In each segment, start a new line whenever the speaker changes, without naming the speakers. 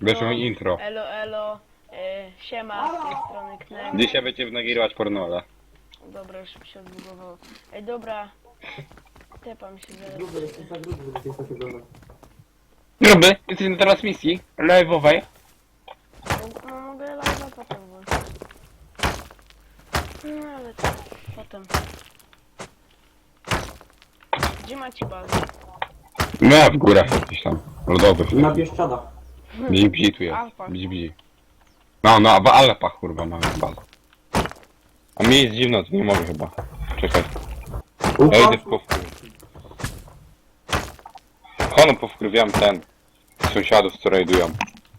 Weszło mi intro.
Elo, elo. Siema, z tej strony Knek.
Dzisiaj będziemy nagrywać pornola.
Dobra, już mi się odbugowało. Ej, dobra. Tepam się zaraz.
Gruby, jesteś za gruby, żeby coś oglądać.
Gruby, jesteś na teraz misji live'owej.
No mogę live'a potem włączyć. No ale to potem. Gdzie macie bazę?
No w górach jakiś tam, lodowych.
Na Bieszczadach.
Bzi tu jest,
Alpach.
bzi. No, w Alpach kurwa mamy bazę. A mi jest dziwno, to nie mogę chyba. Czekaj, ja idę powkurwić. Hono powkurwiam ten. Sąsiadów, co rajdują.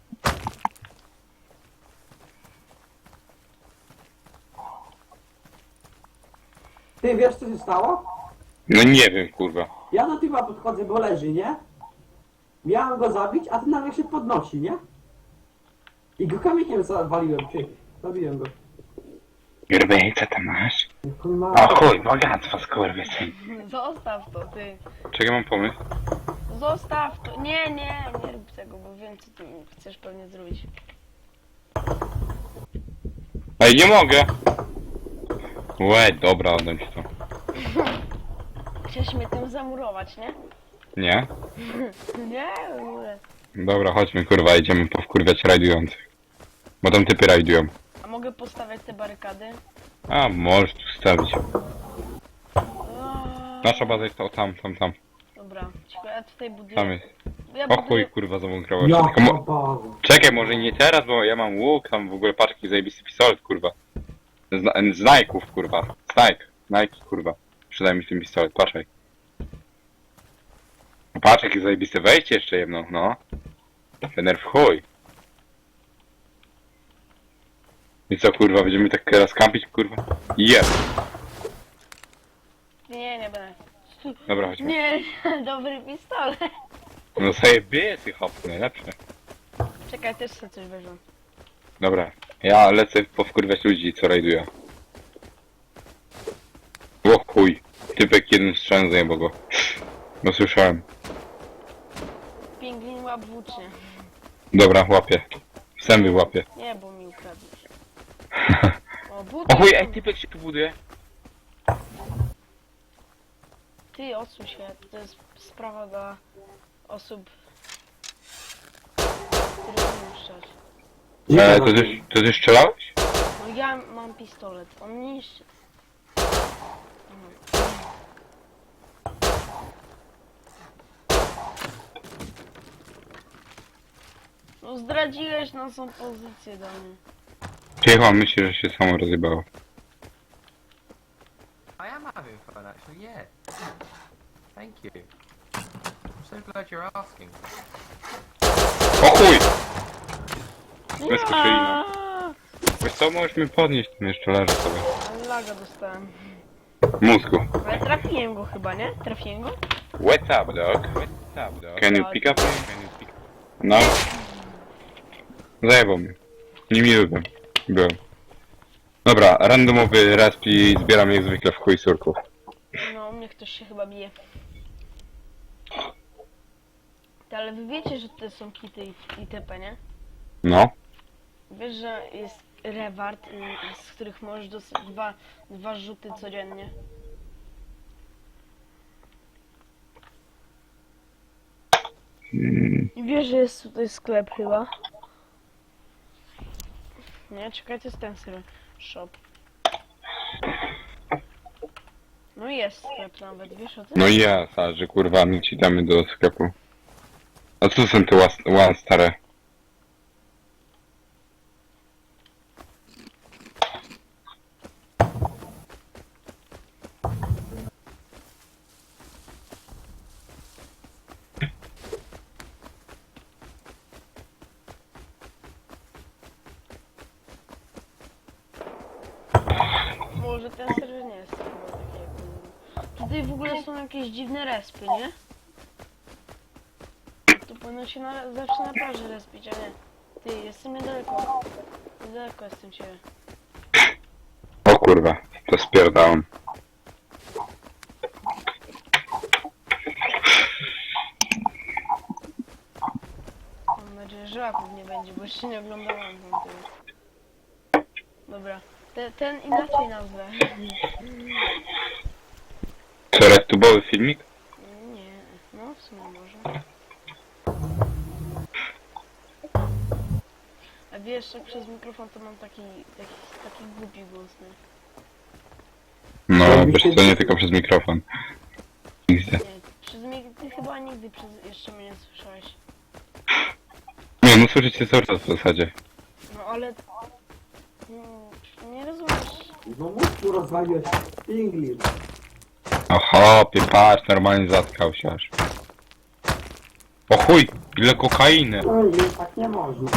Ty wiesz co się stało?
No nie wiem kurwa.
Ja do typa podchodzę, bo leży, nie? Miałem go zabić, a ten nagle się podnosi, nie? I go kamieniem zawaliłem, ty. Zabiłem go.
Gruby, co tam masz?
Ma...
O chuj, bogactwo skurwysyn.
Zostaw to, ty.
Czekaj, mam pomysł.
Zostaw to. Nie rób tego, bo wiem co ty chcesz pewnie zrobić.
Ej, nie mogę! Łe, dobra, oddam ci to.
Chciałeś mnie tym zamurować, nie?
Nie?
Nie, w ogóle.
Dobra, chodźmy kurwa, idziemy powkurwiać rajdujących. Bo tam typy rajdują.
A mogę postawiać te barykady?
A, możesz tu stawić.
O,
Nasza baza jest to tam.
dobra, cicho, ja tutaj buduję.
Tam jest.
Ja
O chuj,
buduję.
kurwa, zabunkrowałeś.
Ja
Tylko
bazę.
Czekaj, może nie teraz, bo ja mam łuk, tam w ogóle paczki zajebisty pistolet, kurwa. Z Nike'ów, kurwa. Nike, kurwa. Przydaj mi ten pistolet, patrzaj. Patrz, jakie zajebiste wejście jeszcze jedno, no. Fener w chuj. I co, kurwa, będziemy tak teraz kampić, kurwa? Jest.
Nie będę.
Dobra, chodźmy.
Nie, dobry pistolet.
No zajebisty hop, najlepsze.
Czekaj, też sobie coś weźmę.
Dobra, ja lecę powkurwiać ludzi, co rajdują. O chuj, typek jednym strzałem zajebał go. No słyszałem.
Pingwin łap włócznie.
Dobra, łapię. Zęby łapię.
Nie, bo mi ukradłeś. O, buty.
O chuj, ej, typek się tu buduje.
Ty, odsuń się. To jest sprawa dla osób, które umieją strzelać.
To ty strzelałeś?
No ja mam pistolet. On niszczy. No zdradziłeś naszą pozycję do mnie.
Cicho, myślę, że się samo rozjebało.
I am having fun actually, yeah. Thank you. I'm so glad you're asking.
O chuj! Bez
Ja!
kokaina. Wiesz co, możesz mnie podnieść, ten jeszcze leży sobie.
Ale laga dostałem.
Mózgu.
Ale trafiłem go chyba, nie? Trafiłem go?
What's up, dog? What's up, dog? Can you pick up? No. Zajebał mnie. Niemiły byłem. Dobra, randomowy resp i zbieram jak zwykle w chuj surków.
No, u mnie ktoś się chyba bije. Ty, ale wy wiecie, że to są kity i TP, nie?
No.
Wiesz, że jest reward, z których możesz dostać dwa rzuty codziennie. I wiesz, że jest tutaj sklep chyba. Nie, czekaj, to jest ten serwer. Shop. No i jest sklep nawet, wiesz o tym?
No i ja, że kurwa, my ci damy do sklepu. A co są te one stare?
Może ten serwer nie jest chyba taki jak ten. Tutaj w ogóle są jakieś dziwne respy, nie? Tu powinno się zawsze na plaży respić, a nie. Ty, jestem niedaleko. Niedaleko jestem ciebie.
O kurwa, to spierdałem.
Mam nadzieję, że łapów nie będzie. Jeszcze nie oglądałam tamtego. Dobra. Ten inaczej nazwę.
Co, retubowy filmik?
Nie, no w sumie może. A wiesz, jak przez mikrofon to mam taki głupi głos, nie?
No, wiesz co, nie tylko przez mikrofon. XD.
Nie, ty chyba nigdy jeszcze mnie nie słyszałeś.
Nie, no słyszycie cały czas w zasadzie.
No ale... nie rozumiesz.
No mów tu rozwaliłeś English.
Aha, patrz, normalnie zatkał się aż. O chuj, ile kokainy!
English tak nie można.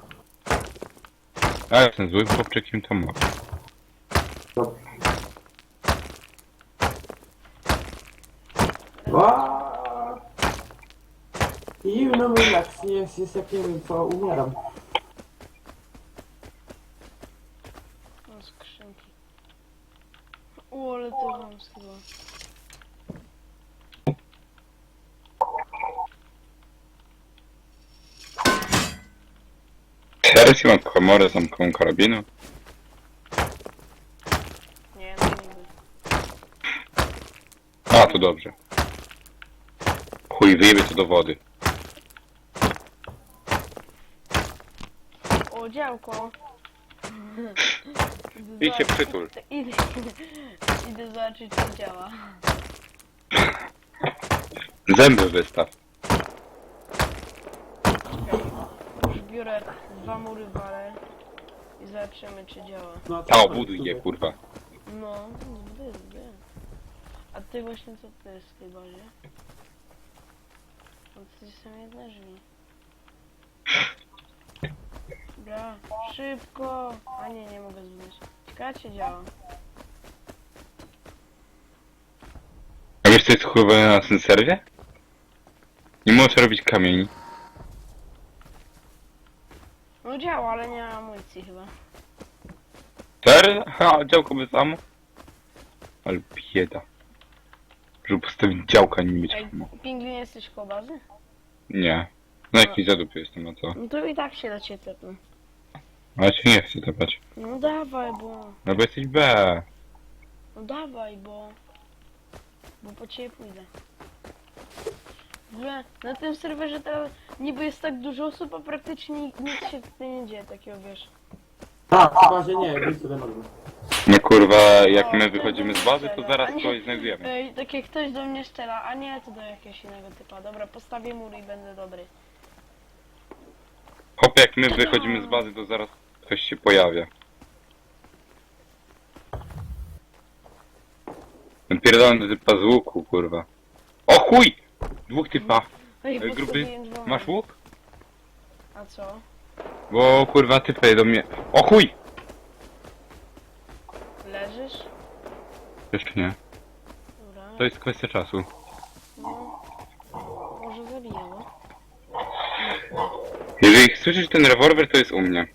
A jestem złym chłopczykiem, to ma.
Zimno mi jak jest jak nie wiem co, umieram.
No skrzynki. O, ale to mam chyba.
Teraz mam komorę zamkową karabinu.
Nie, no nigdy.
A, to dobrze. Chuj, wyjebie to do wody.
O, działko.
Idź się przytul.
Idę zobaczyć, czy działa.
Zęby wystaw.
Już biorę 2 mury walę i zobaczymy, czy działa.
No,
A, obuduj je, kurwa.
No, zby. A ty właśnie co to jest w tej bazie? No to są jedne drzwi. Dobra, szybko! A nie mogę zbudować. Ciekawe czy działa.
A wiesz co jest chujowe na tym serwie? Nie możesz robić kamieni.
No działa, ale nie ma amunicji chyba.
Serio? Ha, działko bez amu? Ale bieda. Żeby postawić działka, nie mieć
Ej,
amu.
pingwin jesteś koło bazy?
Nie. No jakiś zadup jestem, no co?
No to i tak się da cię tepnę.
Ale cię nie chcę tepać.
No dawaj, bo...
No bo jesteś B.
No dawaj, bo po ciebie pójdę. W ogóle na tym serwerze to niby jest tak dużo osób, a praktycznie nic się tutaj nie dzieje takiego, wiesz.
Tak, chyba że nie, wyjdź sobie na dół.
No kurwa, jak
O,
my
ktoś
wychodzimy
do
z
mnie
bazy, to
strzela,
zaraz
a nie-
kogoś znajdujemy.
Ej, tak jak ktoś do mnie strzela, a nie, to do jakiegoś innego typa. Dobra, postawię mur i będę dobry.
Hop, jak my wychodzimy z bazy, to zaraz ktoś się pojawia. Ten pierdolony typa z łuku, kurwa. O chuj! Dwóch typa.
Ej,
Gruby,
postawiłem 2
masz
mury.
łuk?
A co?
Bo kurwa typy do mnie... O chuj!
Leżysz?
Jeszcze nie.
Dobra.
To jest kwestia czasu.
No. Może zabijało.
Jeżeli słyszysz ten rewolwer, to jest u mnie.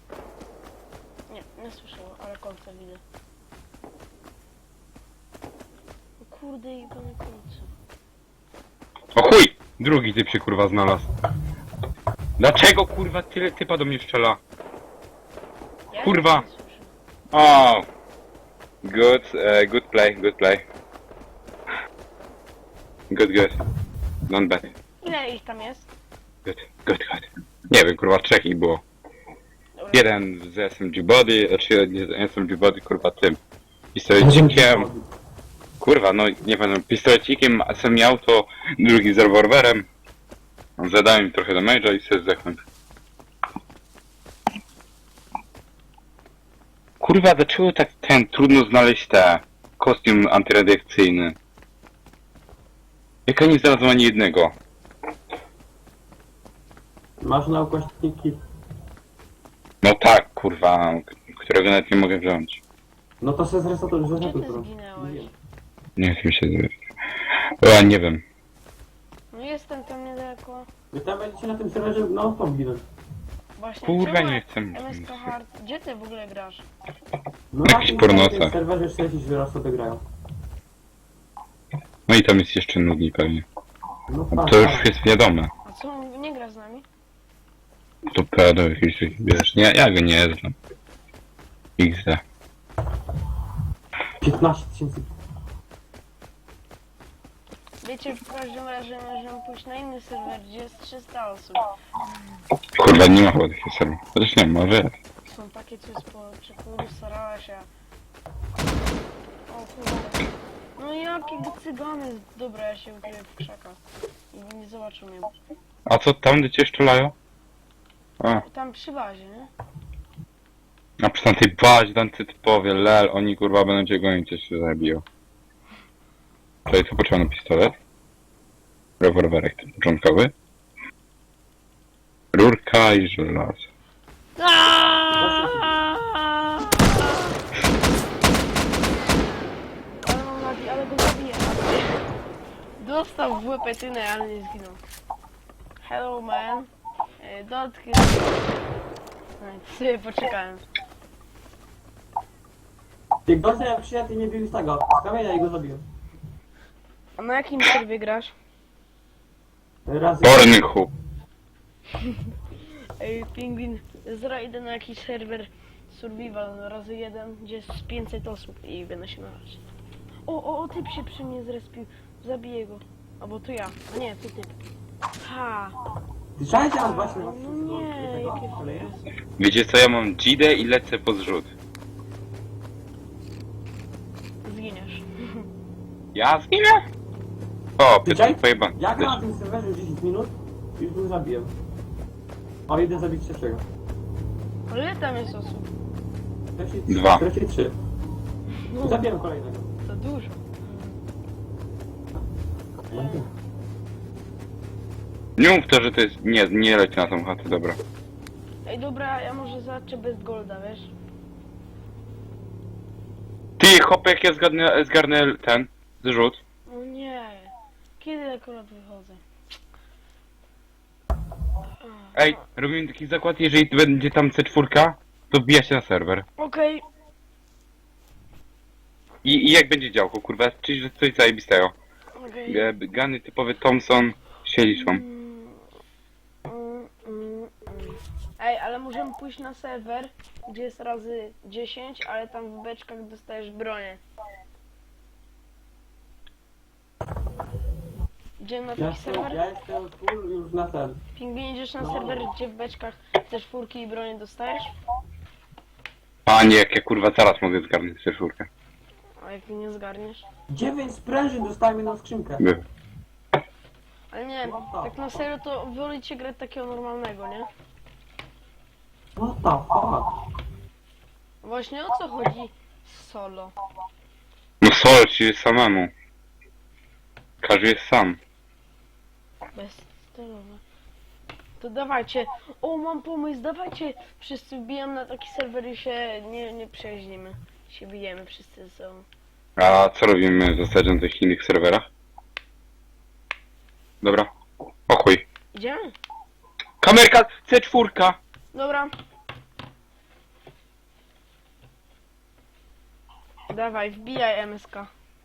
Nie słyszałem, ale kolce widzę. O kurde, i pane kolce.
O chuj! Drugi typ się kurwa znalazł. Dlaczego kurwa tyle typa do mnie strzela?
Ja
Kurwa.
nic nie słyszę.
O! Good play, good play. Good. Not bad.
Ile ich tam jest?
Good. Nie wiem, kurwa, trzech ich było.
Dobra.
Jeden z SMG Body, znaczy nie z SMG Body, kurwa, tym pistolecikiem. Kurwa, no nie wiem, pistolecikiem, a sam miał to drugi z rewolwerem. Zadałem im trochę damage'a i sobie zdechnąć. Kurwa, dlaczego tak trudno znaleźć kostium antyradiacyjny? Jak ja nie znalazłem ani jednego?
Masz na ukośniki.
No tak, kurwa, którego nawet nie mogę wziąć.
No to się zresetuj,
Gdzie
zresetuj
ty
to.
zginęłeś?
Nie chcę mi się zrobić. O, nie wiem.
No jestem tam niedaleko.
Wy tam będziecie na tym serwerze no stop ginąć.
Właśnie,
Kurwa,
czemu
nie chcę.
MSK Hard, gdzie ty w ogóle grasz?
No
Jakiś
na
pornosa.
tym serwerze 40 raz sobie grają.
No i tam jest jeszcze nudniej pewnie.
No tak,
To już jest wiadome.
A co, nie gra z nami?
To To do jakichś takich, wiesz, nie, ja go nie znam. XD.
15 tysięcy.
Wiecie, w każdym razie możemy pójść na inny serwer, gdzie jest 300 osób.
Kurwa, nie ma chyba takiego serwa. Chociaż nie, może jest.
Są takie coś po czekuru, starała się. O kurde. No jakiego cygany. Dobra, ja się ukryję w krzakach. I nie zobaczą mnie.
A co, tam gdzie cię szczelają? A,
Tam przy bazie, nie?
a przy tamtej bazie, tam ty typowie, lel, oni kurwa będą cię gonić, cię się zabiją. Czyli co potrzebny pistolet? Rewolwerek ten początkowy. Rurka i żelazo.
Ale mam nadzieję, ale go zabiję. Dostał w łepetynę, ale nie zginął. Hello man. Dotknę. Sobie poczekałem.
Jak gościa jak przyjechał i nie bił z tego. Z kamienia i go zabiłem.
A na jakim serwie grasz?
Razy.
Pornychu.
Ej, pingwin, idę na jakiś serwer survival razy 1, gdzie jest 500 osób i będę się narazić. O, typ się przy mnie zrespił. Zabiję go. Albo to ja. A nie, to typ. Ha!
Słyszałeś teraz właśnie na
No nie, jakie
koleje?
Wiecie co, ja mam Gidę i lecę po zrzut.
Zginiesz.
Ja zginę? O, Piotr
Słyszałeś?
pojebany.
Jak na tym serwerze 10 minut, już go zabiłem. O, jeden zabić trzeciego.
Ale ile tam jest osób?
Dwa.
Trzeci 3.
No,
Zabiłem kolejnego.
to dużo.
Nie mów to, że to jest... Nie leć na tą chatę, dobra.
Ej, dobra, ja może zaczę bez golda, wiesz?
Ty, hopek, ja zgarnę ten zrzut.
No nie. Kiedy akurat wychodzę?
Ej, robimy taki zakład, jeżeli będzie tam C4, to wbija się na serwer.
Okej.
I jak będzie działko, kurwa, czyli coś zajebistego.
Okej.
Gany typowy Thompson się liczą.
Ej, ale możemy pójść na serwer, gdzie jest razy 10, ale tam w beczkach dostajesz bronię. Idziemy na
Ja
taki serwer?
jestem full już na ten.
Pingwin, idziesz na serwer, gdzie w beczkach też furki i bronię dostajesz?
Panie, jak ja kurwa zaraz mogę zgarnąć C4.
A jak nie zgarniesz?
9 sprężyn dostajemy na skrzynkę.
Ale nie, tak na serio to wolicie grać takiego normalnego, nie?
What the fuck?
Właśnie o co chodzi z solo?
No sol ci jest samemu. Każdy jest sam.
Bezcelowe. To dawajcie. O, mam pomysł, dawajcie. Wszyscy wbijam na taki serwer i się nie przeźnimy. Się bijemy wszyscy ze sobą.
A co robimy w zasadzie na tych innych serwerach? Dobra. O chuj.
Idziemy?
Kamerka C4!
Dobra. Dawaj, wbijaj MSK.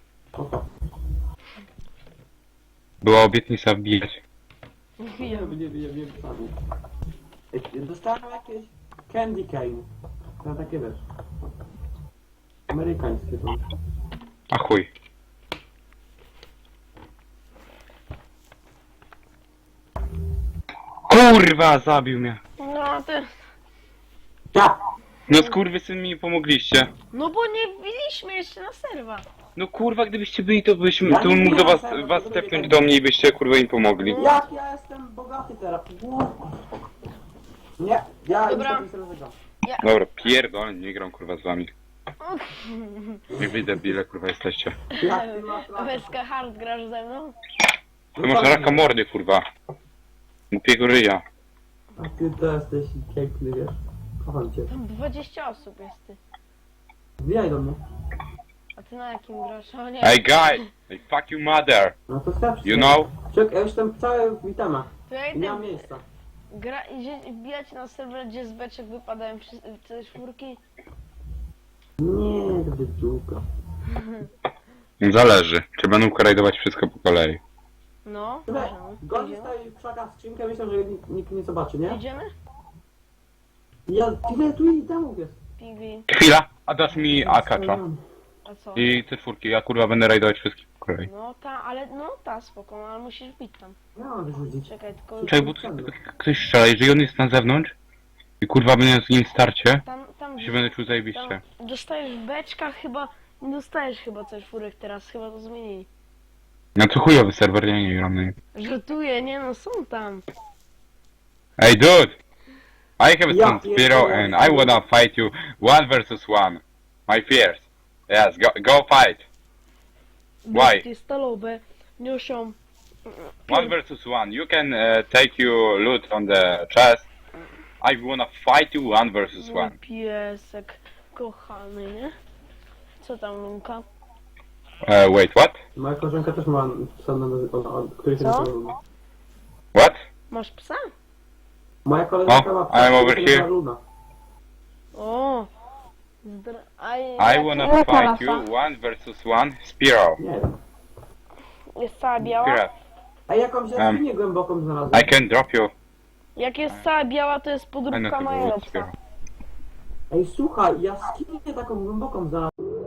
Była obietnica wbijać.
Wbijam.
Nie. Dostałem jakieś candy cane. To takie wiesz. Amerykańskie to.
A chuj. Kurwa, zabił mnie.
No ty.
Ja!
No skurwysyn mi pomogliście.
No bo nie wbiliśmy jeszcze na serwa.
No kurwa, gdybyście byli, to byśmy,
Ja
to
nie
mógł do
wiem,
was stepnąć do mnie i byście kurwa im pomogli.
Jak ja jestem bogaty teraz? Nie, ja
Dobra.
już sobie zagram.
Dobra, pierdolę, nie gram kurwa z wami. Nie widzę, ile kurwa jesteście.
Jak ty masz lata?
MSK hard grasz ze mną?
To masz raka mordy kurwa. Głupiego ryja.
A ty to jesteś piękny, wiesz? Kocham cię.
Tam 20 osób jest ty.
Wbijaj do mnie.
A ty na jakim grasz? O nie.
Hey guys! Hey fuck you mother!
No to chcesz.
You know?
Czekaj, ja jestem cały w itemach.
Tutaj
Nie mam
ten
miejsca.
idzie wbijać na serwer, gdzie z beczek wypadają te czwórki.
Nie, to wydżuka.
Zależy. Czy będą korajdować wszystko po kolei.
No,
Słuchaj,
możemy.
gości
Idziemy?
stoi w krzakach skrzynkę, myślę, że nikt nie zobaczy, nie?
Idziemy?
Ja tyle tu i tam jest.
Pingwin.
Chwila, a dasz mi akacza.
A co?
I te czwórki, ja kurwa będę rajdować wszystkich po kolei.
No ta, ale no ta spoko, no, ale musisz bić tam.
Ja mam wyrzucić.
Czekaj, tylko
Czekaj, bo ktoś strzela, jeżeli on jest na zewnątrz i kurwa będę z nim starcie,
tam
to się będę czuł zajebiście.
tam dostajesz w beczkach chyba, nie dostajesz chyba coś czwórek teraz, chyba to zmienili.
No to chujowy serwer, ja nie gram na nim.
Żartuję, nie no, są tam.
Hey dude! I have
Ja
some Spiro
pierdolę.
and I wanna fight you 1 vs 1. My fears. Yes, go fight. Why?
Bestie stalowe niosą
1 vs 1. You can take your loot on the chest. I wanna fight you 1 vs
mój
1.
piesek kochany, nie? Co tam, Lunka?
Wait, what?
Moja koleżanka też ma psa, który się
Co?
nazywa Luna.
What?
Masz psa?
Moja koleżanka ma
I'm
psa,
over
który się nazywa
here.
Luna.
O!
I wanna fight you 1 vs 1 Spiro.
Nie wiem.
Jest cała biała?
Spiro.
A jakąś jaskinię głęboką znalazłem.
I can drop you.
Jak jest cała biała, to jest
I know
podróbka
to
mojego
go
psa.
Spiro.
Ej, słuchaj, jaskinię taką głęboką znalazłem.